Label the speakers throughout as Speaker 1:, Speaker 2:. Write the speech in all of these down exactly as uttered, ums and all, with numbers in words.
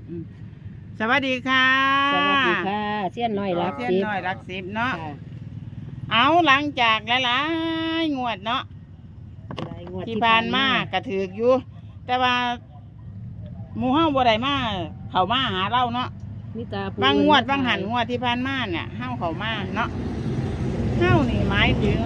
Speaker 1: สวัสดีค่ะ
Speaker 2: สวัสดีค่ะเสี้ยนน้อยรัก
Speaker 1: เส้น
Speaker 2: สิบ
Speaker 1: น้อยรักสิบเนาะ
Speaker 2: ค่ะ
Speaker 1: เอาหลังจากหลายๆงวดเนาะ
Speaker 2: หลายงวด
Speaker 1: ที่ผ่านมากระถืออยู่ แต่ว่าหมู่เฮาบ่ได้มาเข้ามาหาเราเนาะ
Speaker 2: มีตาผู้
Speaker 1: บางงวด
Speaker 2: อื่
Speaker 1: บางหันงวดที่ผ่านมาเนี่ยเฮาเข้ามาเนาะเฮานี่หมายถึง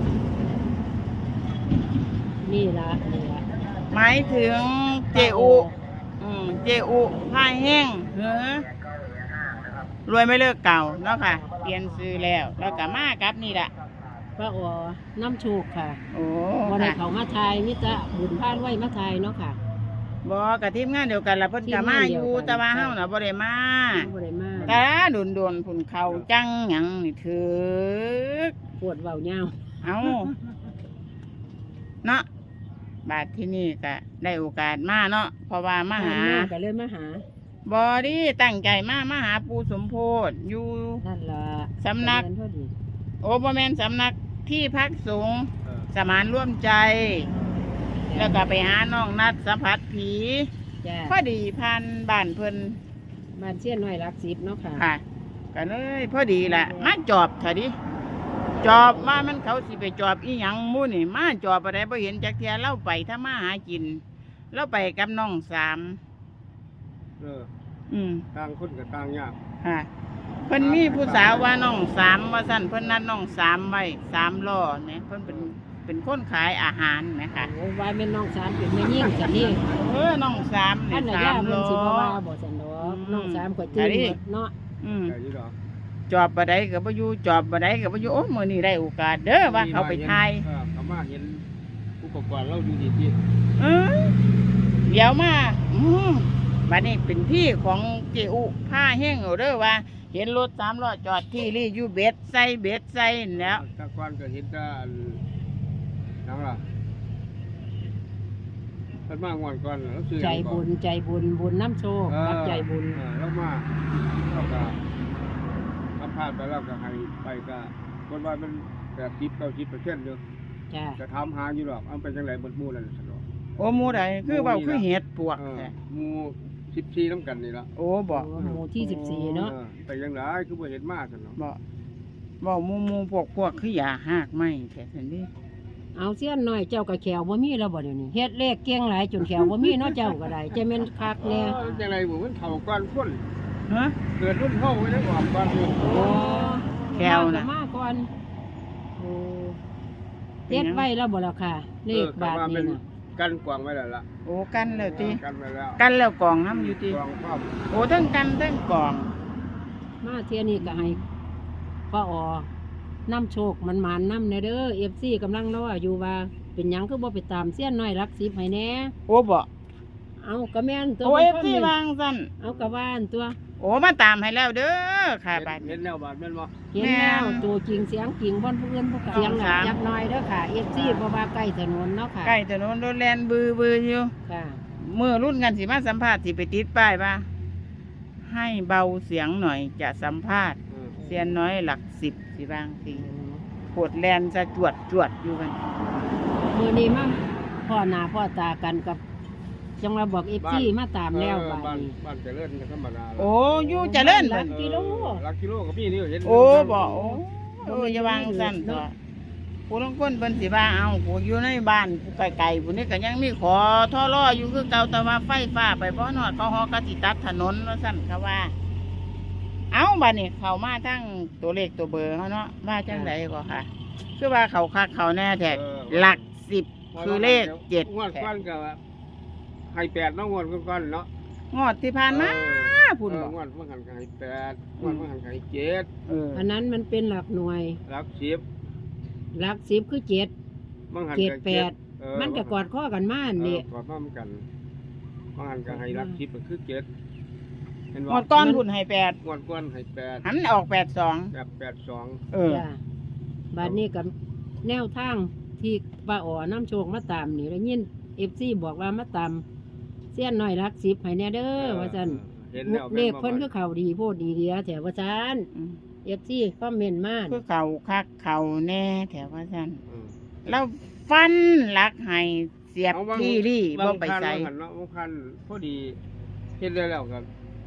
Speaker 2: นี่ละนี่ละ
Speaker 1: หมายถึงเจอุอืมเจอุพายแห้งเหือรวยไม่เลิกเก่าเนาะค่ะ เปลี่ยนซื้อแล้ว แล้วก็มากับนี่แหละ
Speaker 2: ป้าอ๋อน้ำโชคค่ะ
Speaker 1: โอ้
Speaker 2: บ่ได้
Speaker 1: ค่ะ
Speaker 2: เขามาทายมิตรบุญพานไว้มาทายเนาะค่ะ
Speaker 1: บ่กับทีมงานเดียวกันละเพิ่นก็มาอยู่
Speaker 2: ทีมงานเดียวกัน
Speaker 1: แต่ว่าเฮาน่ะบ่ได้มา
Speaker 2: บ่ได้มา
Speaker 1: แต่โดนๆพุ่นเขาจังหยังนี่ถึก
Speaker 2: ปวดเว้าเหย้า
Speaker 1: เอาเนาะบาดที่นี่ก็ได้โอกาสมาเนาะเพราะว่ามาหา
Speaker 2: ผ่นก็เลยมาหา
Speaker 1: บอดี้ตั้งใจมามาหาปูสมโพธิอยู่
Speaker 2: นั่นล่ะ
Speaker 1: สำนัก
Speaker 2: เรียพอดี
Speaker 1: โอบ่แม่นสำนักที่พักสงฆ์สมานร่วมใจ แล้วก็ไปหาน้องนัดสัมผัสผี
Speaker 2: จ้า
Speaker 1: พอดีผ่านบ้านเพิ่น
Speaker 2: บ้านเสี้ยนน้อยรักสิบเนาะค่ะ
Speaker 1: ค่ะก็เลยพอดีแหละมาจอบเถอะดิจอบว่ามันเขาสิไปจอบอีหยังหมู่นี่มาจอบอะไรบ่เห็นจักเทียเล่าไปถ้ามาหากินเล่าไปกับน้องสาม
Speaker 3: เออ
Speaker 1: อืม
Speaker 3: ต่างคนกับต่างยาก
Speaker 1: ค่ะเพิ่นมีผู้สาวว่าน้องสามว่าสั่นเพิ่นนัดน้องสามไว้สามล้อเนี่ยเพิ่นเป็นเป็นคนขายอาหารนะคะ
Speaker 2: โอ้วายเป็นน้องสามเป็นแม่ยิ่งสันนี่
Speaker 1: เออน้องสาม
Speaker 2: อั
Speaker 1: เนี่ย
Speaker 2: นไหน
Speaker 1: สา
Speaker 2: ย่าม เพิ่
Speaker 1: ล้
Speaker 2: น
Speaker 1: อ
Speaker 2: สิบ่ว่าบ่สันดอก
Speaker 1: อืม
Speaker 2: น้องสามก็ตื่น
Speaker 1: อันนี้
Speaker 2: หมดเนาะ
Speaker 1: อืม
Speaker 3: แต่ยี่ดอก
Speaker 1: จอบบ่ได้ก็บ่อยู่จอบบ่ได้ก็บ่อยู่โอ้มื้อนี้ได้โอกาสเด้อว่าเขาไปถ่าย
Speaker 3: เออเขามาเห็นอุปกรณ์เราอยู่ดีที่
Speaker 1: เออเดี๋ยวมาอืมบัดนี้เป็นที่ของเจอุผ้าแห้งเอาเด้อว่า เห็นรถสามล้อจอดที่รีอยู่เบ็ดใส่เบ็ดใส่นั่นแหล้ว
Speaker 3: ตะกอนก็เห็นแต่อันนังล่ะเพิ่นมางอนก่อนแล้วซื้อ
Speaker 2: ใจ
Speaker 3: หยังก่
Speaker 2: บุ
Speaker 3: อน
Speaker 2: ญใจบุญบุญน้ำโชค
Speaker 3: เออ
Speaker 2: รับใจบุญ
Speaker 3: เออแล้วมาเราก็ถ้าพลาดไปแล้วก็ให้ไปก็คนว่ามันแบบสิบเก้าสิบเปอร์เซ็นต์อยู่
Speaker 2: จ้า
Speaker 3: จะทำหาอยู่หรอกเอาเป็นจังไรเบิดหมู่นั่นสนอก
Speaker 1: โอ้หมูใดคือเบาคือเห็ดปวก
Speaker 3: เออ
Speaker 1: แท้
Speaker 3: หมู่สิบสี่น้ำกันนี่ละ
Speaker 1: โอ้บอก
Speaker 2: หมู่ที่สิบสี่เนาะ
Speaker 3: ออไปยังไงคือบ่เห็นมากสนอก
Speaker 1: บอกบอกหมูหมูพวกพวกคืออย่าหากไม่แท้สันนี้
Speaker 2: เอาเสี้ยนหน่อยเจ้าก็แขวบ่มีแล้วบ่เดี๋ยวนี้เฮ็ดเลขเก่งหลายจนแขวบ่มีเนาะเจ้าก็ได้จะแม่นคักแน่
Speaker 3: เออจังไรบ่มันเฒ่าก่อนคน
Speaker 1: ฮะ
Speaker 3: เกิดรุ่นเฮาไว้ได้ออกก่อนอยู่
Speaker 1: โอ้แควน่ะ
Speaker 2: มาก่อนโอ้เฮ็ดไว้แล้วบ่ล่ะค่ะ เลขบาทนี่น่ะ
Speaker 3: กันกวางไว้แล้วล่ะ
Speaker 1: โอ้กันแล้วติ
Speaker 3: กันไว้แล้ว
Speaker 1: กันแล้วกองน้ำอยู่ติ
Speaker 3: กวางพร้อม
Speaker 1: โอ้ทั้งกันทั้งกอง
Speaker 2: มาเที่ยนี้ก็ให้ป้าอ๋อน้ำโชคมันหมานน้ำแน่เด้อ เอฟ ซี กำลังรออยู่ว่าเป็นหยังคือบ่ไปตามเสี้ยนน้อยรักสิบให้แหน่
Speaker 1: โอ้บอก
Speaker 2: เอากระแม่นตัว
Speaker 1: โอ้เอฟ
Speaker 2: มัน
Speaker 1: ซี
Speaker 2: คอมเมนต์
Speaker 1: วางสั่น
Speaker 2: เอากระว่านตัว
Speaker 1: โอ้มาตามให้แล้วเด้อค่ะบาด
Speaker 3: เห็
Speaker 1: นี้
Speaker 3: นแล้วบาดแม่นบ่
Speaker 2: เห็นแล้วตัวจริงเสียงจริงบ่อนผู้อื่นผู้เสียงหลักจักหน่อยเด้อค่ะ เอฟ ซี เพราะว่าใกล้ถนนเนาะค่ะ
Speaker 1: ใกล้ถนนรถแล่นบือบืออยู่
Speaker 2: ค่ะ
Speaker 1: เมื่อรุ่นกันสิมาสัมภาษณ์สิไปติดป้ายว่าให้เบาเสียงหน่อยจะสัมภาษณ์
Speaker 3: เออ
Speaker 1: เสียนน้อยหลักสิบสิบางทีปวดแลนจะจวดจวดอยู่กัน
Speaker 2: มื้อนี้มาพ่อหน้าพ่อตากันกับจังว่าบอก เอฟ ซี มาตามแล้ว
Speaker 3: เออ
Speaker 2: บัด
Speaker 3: บ้าน
Speaker 2: นี้
Speaker 3: บ้านเจริญก็ธรรมดา
Speaker 1: โอ้อยู่เจะเล่น
Speaker 2: หลั
Speaker 1: เพิ่น
Speaker 2: กกิโล
Speaker 3: หลักกิโลก็มีนี่เห็น
Speaker 1: โอ้บอกโอ้เอออย่าวางสั้นตัวผู้ลางคนเพิ่นสิว่าเอาผู้อยู่ในบ้านผู้ไกลๆผู้นี้ก็ยังมีขอท่อรออยู่คือเก่าแต่ว่าไฟฟ้าไปบ่นอดเขาฮอกะสิตัดถนนว่าซั่นเขาว่า เอาบัดนี้เข้ามาทั้งตัวเลขตัวเบอร์เขาเนาะว่าจังไดก็ค่ะ คือว่าเขาคักเขาแน่แท้หลักสิบคือเลขเจ็ด
Speaker 3: งวด
Speaker 1: แท้
Speaker 3: ก้อนก็ให้แปดเนาะงวดก้อนๆเนาะ
Speaker 1: งอดที่ผ่านมาพุ่น
Speaker 3: เอ
Speaker 1: บ่
Speaker 3: องวดเมื่อหันก็ให้แปดงวดเมื่อหันก็ให้เจ็ด
Speaker 1: เออ
Speaker 2: อันนั้นมันเป็นหลักหน่วย
Speaker 3: หลักสิบ
Speaker 2: หลักสิบคือเจ็ด
Speaker 3: เมื่อหัน
Speaker 2: เจ็ด
Speaker 3: ก็
Speaker 2: แปด
Speaker 3: เออ
Speaker 2: มันก็กอดข้อกันมา
Speaker 3: เอ
Speaker 2: อัน
Speaker 3: อ
Speaker 2: นี่
Speaker 3: กอดพร้อมกันเมื่อหันก็ให้หลักสิบก็คือเจ็ดเห็น
Speaker 1: ง
Speaker 3: บ่
Speaker 1: อดก้อนพุ่นให้แปด
Speaker 3: งวดก้อนให้แปด
Speaker 1: หันออกแปดสอง
Speaker 3: แบบแปดสอง
Speaker 1: เออ
Speaker 2: จ้ะบาดนี้กับแนวทางที่ป้าอ๋อน้ำโชคมาตามนี่แล้วยินเอฟซีบอกว่ามาตามเสี้ยนน้อยรักสิบให้แน่เด้อว่าซั่น
Speaker 3: เห็นแล้ว
Speaker 2: เลขเพิ่นคือเขาดีโพดดีเดียแถวว่าซั่น
Speaker 1: อืม
Speaker 2: เอฟซีคอมเมนต์มา
Speaker 1: คือเขาคักเขาแน่แถวว่าซั่น
Speaker 3: เออ
Speaker 1: แล้วฟันหลักให้เสียบ
Speaker 3: เอาบาง
Speaker 1: ที่รี่บ่ไป
Speaker 3: บางคัน
Speaker 1: ใส่
Speaker 3: บางคันเนาะบางคันพอดีเฮ็ดได้แล้วก็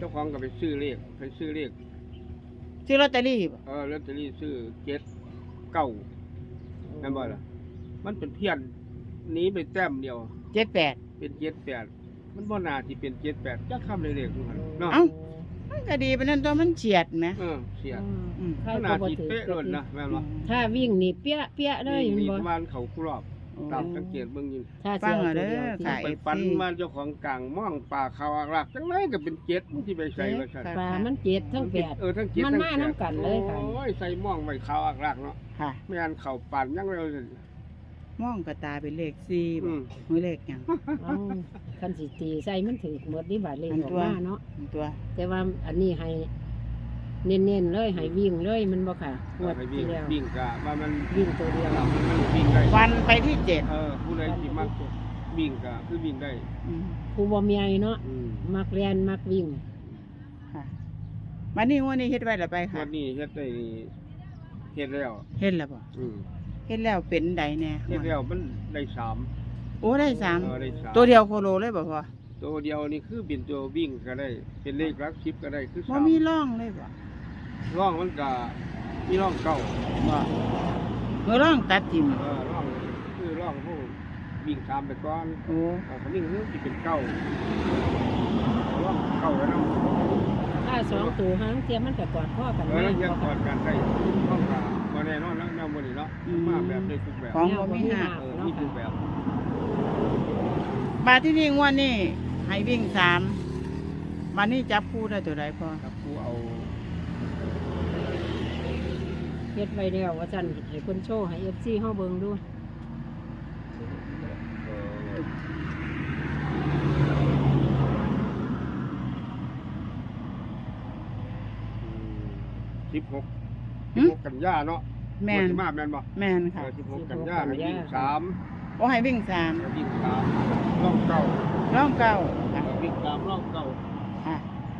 Speaker 3: จ้าของก็ไปซื้อเลขไปซื้อเลข
Speaker 1: ซื้อลอตเตอรี่บ่
Speaker 3: เออลอตเตอรี่ซื้อเจ็ดเก้านั่นบ่ล่ะมันเป็นเพี้ยนหนี้ไปแต้มเดียว
Speaker 1: เจ็ดแปด
Speaker 3: เป็นเจ็ดแปดมันบ่น่าที่เป็นเจ็ดแปดจักคำเลยเลขทุกหันเนาะ
Speaker 1: เอ้า มันก็ดีปานนั้นตัวมันเฉียดแหม
Speaker 3: เออเสีย
Speaker 1: อืม
Speaker 2: ใคร
Speaker 3: ข
Speaker 2: ก็
Speaker 3: นาด
Speaker 2: บ่
Speaker 3: ที่
Speaker 2: ถือ
Speaker 3: เป๊ะล้นนะแม่นบ่
Speaker 2: ถ้าวิ่งนี่เปี้ยเปี้ยเลย
Speaker 3: มี
Speaker 2: แม่น
Speaker 3: ป
Speaker 2: บ่
Speaker 3: ระมาณเขาคู่รอบตามสังเกตเบิ่งอยู่
Speaker 2: ถ้า
Speaker 1: ฟั
Speaker 2: เสี
Speaker 1: ง
Speaker 2: ยว
Speaker 1: เอา
Speaker 2: ตั
Speaker 1: เด้
Speaker 2: วเดียว
Speaker 1: อ
Speaker 2: ที่
Speaker 1: ค่ะ
Speaker 3: ไปฟันมาเจ้าของกลางม่องป่าเขาอักลักจังไรก็เป็นเจ็ดมันสิไปใส่ว่าซั่น
Speaker 2: ปลามันเจ็ดทั้งแปด
Speaker 3: เออทั้งเจ็ด
Speaker 2: มัน
Speaker 3: ทั้ง
Speaker 2: มา
Speaker 3: แปด
Speaker 2: น้ำกันเลยค่ะ
Speaker 3: โอ้ยใส่ม่องไว้เขาอักลักเนาะ
Speaker 1: ค่ะ
Speaker 3: ไม่งั้นเขาปั่นยังเร็วเลย
Speaker 1: มองกระตาเป็นเลขสี่
Speaker 3: อื
Speaker 1: บ่
Speaker 3: ม
Speaker 1: มือเลขหยัง
Speaker 2: เอ้าคันสิตีใส่มันถือหมดนี่บาดเลข
Speaker 1: อัน
Speaker 2: ออก
Speaker 1: ตัว
Speaker 2: มาเนาะ
Speaker 1: ตัว
Speaker 2: แต่ว่าอันนี้ให้เน้นๆเลยให้วิ่งเลยมันบ่ค่ะงวด
Speaker 3: ไปวิ่
Speaker 2: ที่
Speaker 3: ง
Speaker 2: แล้ว
Speaker 3: วิ่งกะว่ามัน
Speaker 2: วิ่งตัวเดียว
Speaker 3: มันวิ่งได้
Speaker 1: วันไปที่เจ็ด
Speaker 3: เออผู้ใดที่มักวิ่งกะคือวิ่งได้
Speaker 1: อืม
Speaker 2: ผู้บ่มีไอ้เนาะ
Speaker 3: อืม
Speaker 2: มักเรียนมักวิ่ง
Speaker 1: ค่ะวันนี้งวันนี้เฮ็ดไว้และไปค่ะ
Speaker 3: วันนี้เฮ็ดได้เฮ็ดแล้ว
Speaker 1: เฮ็ดแล้วบ่
Speaker 3: อืม
Speaker 1: เฮ็ดแล้วเป็นใดแน่
Speaker 3: เฮ็ดแล้วมันได้สาม
Speaker 1: โอ้ได้สาม
Speaker 3: เออได้สาม
Speaker 1: ตัวเดียวโคโลเลยบ่พอ
Speaker 3: ตัวเดียวนี่คือเป็นตัววิ่งก็ได้ เป็นเลขหลักสิบก็ได้คือ
Speaker 1: บ่
Speaker 3: สาม
Speaker 1: มีร่องเลยบ่
Speaker 3: ร่องมันก็มีร่องเก่า
Speaker 1: บ่เมื่อร่องตัดทิ่ม
Speaker 3: เออร่องคือร่องผู้วิ่งตามไปก่อน
Speaker 1: โอ้
Speaker 3: เอาคนนี้คือสิเป็นเก่าร่องเก่าแล้วเนาะ
Speaker 2: ถ้าสองตัวหางเทียมมันก็กอดข้อกัน
Speaker 3: เออ
Speaker 2: มา
Speaker 3: แล้วยังกอดกันได้ร่องกาบ่แน่นอนแล้วแนวบ่นี่เนาะมาแบบได้ทุกแบบ
Speaker 1: ของบ่มีหัก
Speaker 3: เออมีทุกแบบ
Speaker 1: บาทที่นี่งวดนี้ให้วิ่งสามวันนี้จับคู่ได้ตัวใดพอ
Speaker 3: ครับผู้เอา
Speaker 2: เฮ็ดไว้แล้วว่าซั่นให้คนโชว์ให้ เอฟ ซี เฮาเบิ่งดู
Speaker 3: เอ่อสิบหกสิบหกกันยาเนาะ
Speaker 1: แม่น
Speaker 3: วันที่มาแม่นบ่
Speaker 1: แม่น
Speaker 3: เอ
Speaker 1: ค่ะ
Speaker 3: อสิบหกกันยาให้วิ่งสาม
Speaker 1: โอ้ให้วิ่งสาม
Speaker 3: ให้วิ่งสามร่องเก่า
Speaker 1: ร่องเก้า
Speaker 3: เอ
Speaker 1: ค่ะ
Speaker 3: อวิ่งสามร่องเก่า
Speaker 1: ค่ะ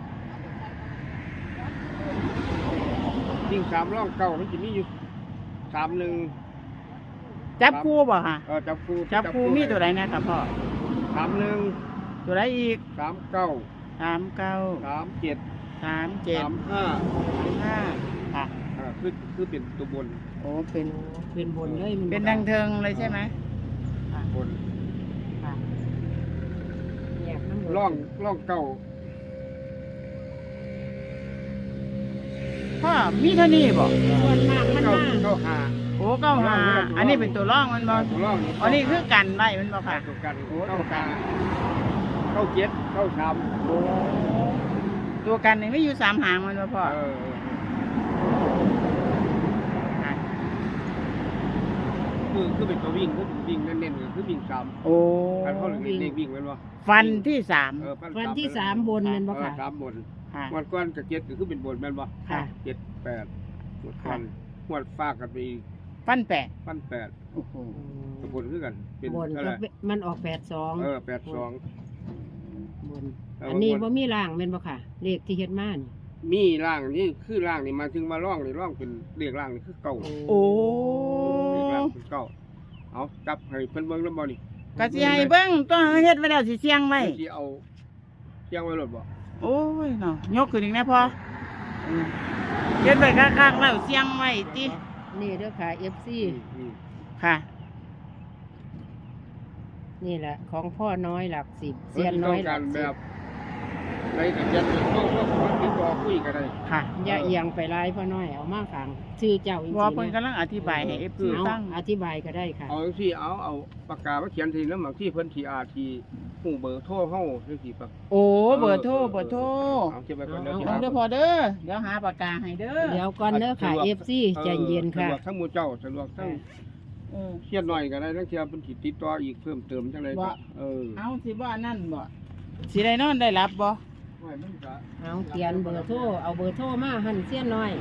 Speaker 3: วิ่งสามร่องเก่ามันจะมีอยู่สามหนึ่ง
Speaker 1: จับคู่บ่ค่ะ
Speaker 3: เออจับคู่
Speaker 1: จับคู่มีตัวใดนะครับพ่อ
Speaker 3: สามหนึ่ง
Speaker 1: ตัวใดอีก
Speaker 3: สามเก้า
Speaker 1: สามเก้า
Speaker 3: สามเจ็ด
Speaker 1: สามเจ็ด
Speaker 3: สามห้า
Speaker 1: ห้าค่ะ
Speaker 3: เออคือคือเป็นตัวบน
Speaker 1: โอ้เป็น
Speaker 2: เป็นบนเลยมันบ่
Speaker 1: เป็นดังเทิงเลยใช่ไหมค่ะ
Speaker 3: บน
Speaker 1: ค่ะ
Speaker 2: แยกน้ำบน
Speaker 3: ร่องร่องเก่า
Speaker 1: พ่อมีเท่านี้บ่
Speaker 2: ส่วนมากมัน
Speaker 3: เก้า
Speaker 2: มา
Speaker 3: เก้าห้า
Speaker 1: โอ้เก้าห้าอันนี้เป็นตัวร่องมันบ่
Speaker 3: ตัวร่อง
Speaker 1: อันนี้คือกันไว้มันบ่ค่ะ
Speaker 3: ตัวกัน
Speaker 1: โอ้
Speaker 3: เก้าห้าเก้าเจ็ดเก้าสาม
Speaker 1: โอ้ตัวกันนี่ไม่อยู่สามหางมันบ่พ่อ
Speaker 3: เออ
Speaker 1: ค่ะ
Speaker 3: คือคือเป็นตัววิ่งคือวิ่งเน้นๆก็คือวิ่งสาม
Speaker 1: โอ้
Speaker 3: การเขาเรียกเลขวิ่งแม่นบ่
Speaker 1: ฟันที่สาม
Speaker 3: เออฟั
Speaker 2: วันที่สามบนแม่นบ่
Speaker 3: เออ
Speaker 2: ค่ะ
Speaker 3: สามบน
Speaker 1: ค่ะ
Speaker 3: งวดก้อนกับเจ็ดก็คือเป็นบนแม่นบ่
Speaker 1: ค่ะ
Speaker 3: เจ็ดแปดงวดก้อนงวดฟ้ากันไปอีก
Speaker 1: ฟันแปด
Speaker 3: พันแปด
Speaker 1: โอ้โห
Speaker 3: กับบนคือกันเป็น
Speaker 2: บน
Speaker 3: เท่า
Speaker 2: ก็
Speaker 3: ไหร่
Speaker 2: เป็นมันออกแปดสอง
Speaker 3: เออแปดสอง
Speaker 2: บน
Speaker 3: เอออั
Speaker 2: อันนี้
Speaker 3: บน
Speaker 2: บ่มีร่างแม่นบ่ค่ะ เลขที่เฮ็ดมานี่
Speaker 3: มีร่างนี่คือร่างนี่มาถึงมาร่องนี่ร่องเป็นเรียกร่างนี่คือเก่า
Speaker 1: โอ้
Speaker 3: เรียกร่างเป็นเก่าเอาจับให้เพิ่นเบิ่งแล้วบ่นี่
Speaker 1: กะสิให้เบิ่งต้องเฮ็ดไว้แล้วสิเสียงไว้
Speaker 3: เพิ่นสิเอาเชียงไว้รถบ่
Speaker 1: โอ้ยเนาะยกขึ้นอีกนะพ่ออืมเฮ็ดไว้ข้างๆแล้วเสียงไว้ติ
Speaker 2: นี่เด้อค่ะ เอฟ ซี
Speaker 3: อืม
Speaker 1: ค่ะ
Speaker 2: นี่แหละของพ่อน้อยหลักสิบเซียนน้อยหลัก
Speaker 3: เพิ่นสิต้องการแบ
Speaker 2: สิบบ
Speaker 3: ในกับเจ็ดต้องต้องต้องติดต่อคุยกันได้
Speaker 1: ค่ะ
Speaker 2: อย่าเอียงไปลายพ่อน้อยเอามาขังชื่อเจ้าอีก
Speaker 1: ว่า
Speaker 2: ที
Speaker 1: เพิ่น
Speaker 2: นะ
Speaker 1: กำลังอธิบายให้ เอฟ ซี
Speaker 2: เอา
Speaker 1: ฟัง
Speaker 2: อธิบายก็ได้ค่ะ
Speaker 3: เอาจังซี่เอาเอาปากกามาเขียนทีแล้วบางที่เพิ่นสิอาจสิฮู้เบอร์โทรเฮาจังซี่ปะ
Speaker 1: โอ้เบอร์โทรเบอร์โทร
Speaker 3: เอาเก็บไว้ก่อนเดี๋ยว
Speaker 2: เอา
Speaker 3: สิ
Speaker 1: เอา
Speaker 3: หา
Speaker 1: เด้อพ่อเด้อเดี๋ยวหาปากกาให้เด้อ
Speaker 2: เดี๋ยวก่อนเด้อค่ะ เอฟ ซีใจเย็นค่ะ
Speaker 3: สะดวกทั้งหมู่เจ้าสะดวกทั้ง
Speaker 1: เออ
Speaker 3: เครียดหน่อยก็ได้ทั้งเที่ยเพิ่นสิติดต่ออีกเพิ่มเติมจังได๋
Speaker 1: บ่
Speaker 3: ก็เออ
Speaker 1: เอาสิบ่นั่นบ่สิได้นอนได้หลับบ่
Speaker 3: ไว้มันก็
Speaker 2: เอาเขียนเบอร์โทรเอาเบอร์โทรมาหั่นเสี้ยนน้อย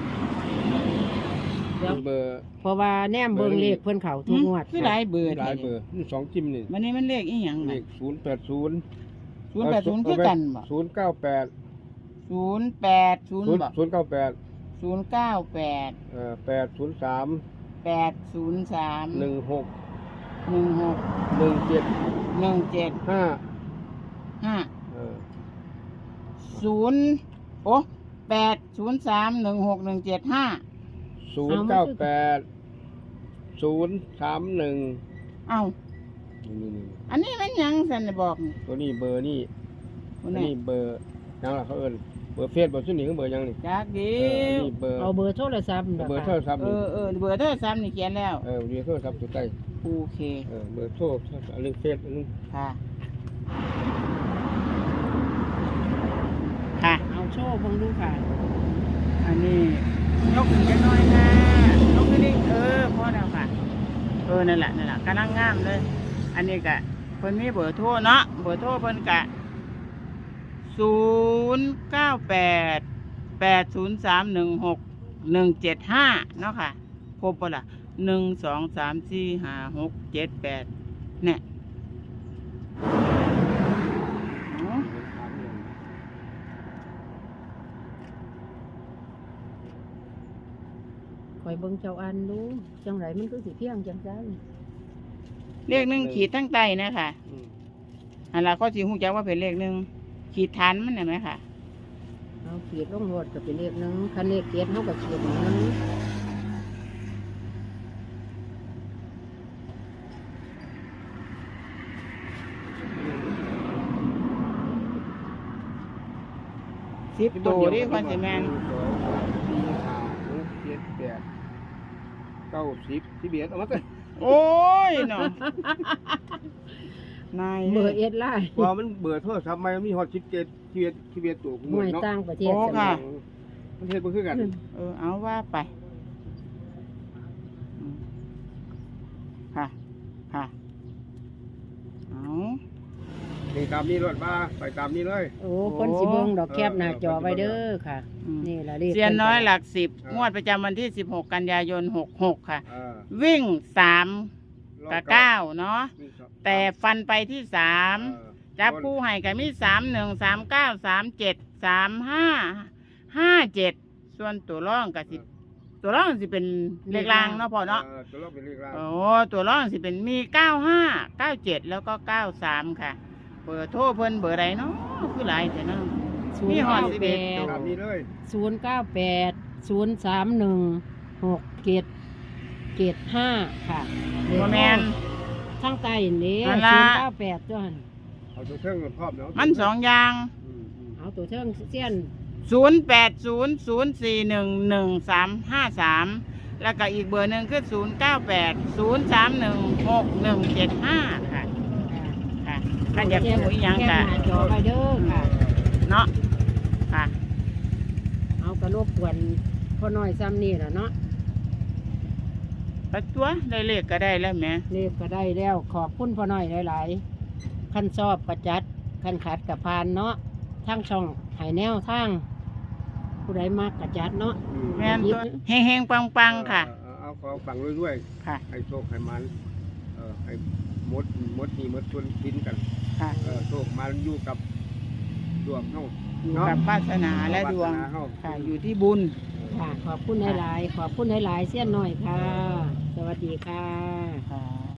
Speaker 2: เดี๋ยว
Speaker 3: เบอร์
Speaker 2: เพราะว่าแนมเบิ่งเลขเพิ่นเข้าทุกงวด
Speaker 1: คือหลายเบอร์
Speaker 3: หลายเบอร์นี่สองจิ้มนี่
Speaker 1: วันนี้มันเลขอีหยัง
Speaker 3: เล
Speaker 1: น่ะ
Speaker 3: ขศูนย์แปดศูนย์
Speaker 1: ศูนย์แปดศูนย์คือกันบ่
Speaker 3: ศูนย์เก้าแปด
Speaker 1: ศูนย์แปดศูนย์
Speaker 3: ศูนย์
Speaker 1: บ่
Speaker 3: ศูนย์เก้าแปด
Speaker 1: ศูนย์เก้าแปด
Speaker 3: เอ่อแปดศูนย์สาม
Speaker 1: แปดศูนย์สาม
Speaker 3: หนึ่งหก
Speaker 1: หนึ่งหก
Speaker 3: หนึ่งเจ็ด
Speaker 1: หนึ่งเจ็ด
Speaker 3: ห้า
Speaker 1: ห้า
Speaker 3: เออ
Speaker 1: สศูนย์โอ้แปดศูนย์สามหนึ่งหกหนึ่งเจ็ดห้า
Speaker 3: ศูนย์เก้าแปดศูนย์สามหนึ่ง
Speaker 1: เอ้า
Speaker 3: นี่นี่
Speaker 1: อันนี้มันหยังสันน่ะบอกนี่
Speaker 3: ตัวนี้เบอร์นี่
Speaker 1: ค
Speaker 3: อั
Speaker 1: น
Speaker 3: น
Speaker 1: นี้
Speaker 3: นี้เบอร์ยังล่ะเขาเอิ้นเบอร์เฟซเบอร์ซุนี่คือเบอร์ยังนี่
Speaker 1: จักดี
Speaker 3: เอออันนี้เบอร์
Speaker 2: เอาเบอร์โทรศัพท์
Speaker 3: เบอร์โทรศัพท์
Speaker 1: เอ
Speaker 3: นี่
Speaker 1: อเออเบอร์โทรศัพท์นี่เขียนแล้ว
Speaker 3: เออเบอร์โทรศัพท์อยู่ใต้
Speaker 1: โอเค
Speaker 3: เออเบอร์โทรอันนึงเฟซอันนึง
Speaker 1: ค่ะ ค่ะ
Speaker 2: เอาโชว์เบิ่งดูค่ะ
Speaker 1: อันนี้ยกขึ้นจักหน้อยค่ะยกขึ้นนี่เออพอแล้วค่ะ เออนั่นแหละนั่นแหละกำลังงามเลย อันนี้กะเพิ่นมีเบอร์โทรเนาะเบอร์โทรเพิ่นกะศูนย์เก้าแปดแปดศูนย์สามหนึ่งหกหนึ่งเจ็ดห้าเนาะค่ะครบปะล่ะหนึ่งสองสามสี่ห้าหกเจ็ดแปดเนี่ยอ๋อ
Speaker 2: คอยเบิ่งเจ้าอันดูจังไรมันคือสิเพียงจังซั่น
Speaker 1: เลขหนึ่งขีดทั้งใต้นะค่ะ
Speaker 3: อืม
Speaker 1: อันละก็สิหูจักว่าเป็นเลขหนึ่งขีดฐานมันเห็นไหมค่ะ
Speaker 2: เอาขีดลงโหดก็เป็นเลขหนึงคันเลขเกียรเฮาก็ขีดหนึง
Speaker 1: สิบตัวนี่คอนสิแมน
Speaker 3: หงสองสามสี่ห้าหกเจ็ดแปดเก้าสิบสิบเอ็ดเอามาเถอะ
Speaker 1: โอ้ยเนาะนาย
Speaker 2: เบอร์เอ็ดไลน์
Speaker 3: ว่ามันเบื่อโทรศัพท์ใหม่มันมีฮอตสิบเจ็ดสิบเอ็ดสิบเอ็ดตัว
Speaker 2: หน่วย
Speaker 3: เนาะ
Speaker 2: ต่างประเทศ
Speaker 1: โอ้
Speaker 2: จัง
Speaker 1: ค่ะ
Speaker 2: เลย
Speaker 3: มันเฮ็ดบ่คือกัน
Speaker 1: เออเอาว่าไปอืมค่ะ ค่ะ เอา
Speaker 3: นี่ตามนี้รถมาไปตามนี้เลย
Speaker 2: โอ้คนสิเบิ่งดอกแคบหน้าจอไว้เด้อค่ะ
Speaker 1: อืม
Speaker 2: นี่ล่ะเลข
Speaker 1: เซียนน้อยหลักสิบ
Speaker 3: อ่าง ง
Speaker 1: วดประจำวันที่สิบหกกันยายนหกหกค่ะ
Speaker 3: เออ
Speaker 1: วิ่งสาม
Speaker 3: รอบ
Speaker 1: กับเก้าเนาะ
Speaker 3: วิ่งสอง
Speaker 1: แต่ฟันไปที่สาม
Speaker 3: เออ
Speaker 1: จับคู่ให้กับมีสามหนึ่งสามเก้าสามเจ็ดสามห้าห้าเจ็ดส่วนตัวร่องกับสิตัวร่องสิเป็นเลขรางเนาะพอเนาะ
Speaker 3: ออตัวรอบเป็นเลขล่าง
Speaker 1: โอ้ตัวร่องสิเป็นมีเก้าห้าเก้าเจ็ดแล้วก็เก้าสามค่ะเบอร์โทรเพิ่นเบอร์ใดเนาะคือหลายแต่เนาะ
Speaker 2: ศูน
Speaker 1: นี่
Speaker 2: ย์
Speaker 1: หอด
Speaker 2: เก้า
Speaker 1: สิบ
Speaker 2: แป
Speaker 1: เอ็ด
Speaker 2: ด
Speaker 3: ตามนี้เลย
Speaker 2: ศูนย์เก้าแปดศูนย์สามหนึ่งหกเจ็ดเจ็ดห้าค่ะ
Speaker 1: บ่แมน
Speaker 2: ทั้งใต้นี่
Speaker 1: นั่
Speaker 2: ศู
Speaker 1: นล่ะ
Speaker 2: นย์เก้าแปดจ้ะ
Speaker 3: เอาตัวเครื่องพร้อมเนาะ
Speaker 1: มันสองอย่าง
Speaker 3: อืมอืม
Speaker 2: เอาตัวเชิงเสี้ยน
Speaker 1: ศูนย์แปดศูนย์ศูนย์สี่หนึ่งหนึ่งสามห้าสามแล้วก็อีกเบอร์หนึ่งคือศูนย์เก้าแปดศูนย์สามหนึ่งหกหนึ่งเจ็ดห้าค่ะค่ะถ้าอยากรู้อีกอย่าง
Speaker 2: แค
Speaker 1: ก็
Speaker 2: บหน้าจอไว้เด้อค่ะ
Speaker 1: เนาะค่ะ
Speaker 2: เอากระรบกวนพ่อน้อยซ้ำนี่แหละเนาะ
Speaker 1: ปัดตัวได้เลขก็ได้แล้วแหม่
Speaker 2: เลขก็ได้แล้วขอบคุณพ่อน้อยหลายๆขั้นชอบประจัดขั้นขัดกับพานเนาะทั้งช่องหายแนวทางผู้ใดมากกระจัดเนาะ
Speaker 3: อืม
Speaker 1: แม่นตัวเฮงเฮงปังปังๆค่ะ
Speaker 3: เออเอาของฝังด้วย
Speaker 1: ค่ะ
Speaker 3: ๆให้โชคให้มันเออให้มดมดนี่มดชวนกินกัน
Speaker 1: ค่ะ
Speaker 3: เออโชคมันอยู่กับดวงเฮา
Speaker 1: อยู่กับวาสนาและดวง
Speaker 3: วาสนาเฮา
Speaker 1: ค่ะ อยู่ที่บุญ
Speaker 2: ค่ะ ขอบคุณหลายๆขอบคุณหลายๆเสี้ยนหน่อยค่ะ สวัสดีค่ะ
Speaker 1: ค่ะ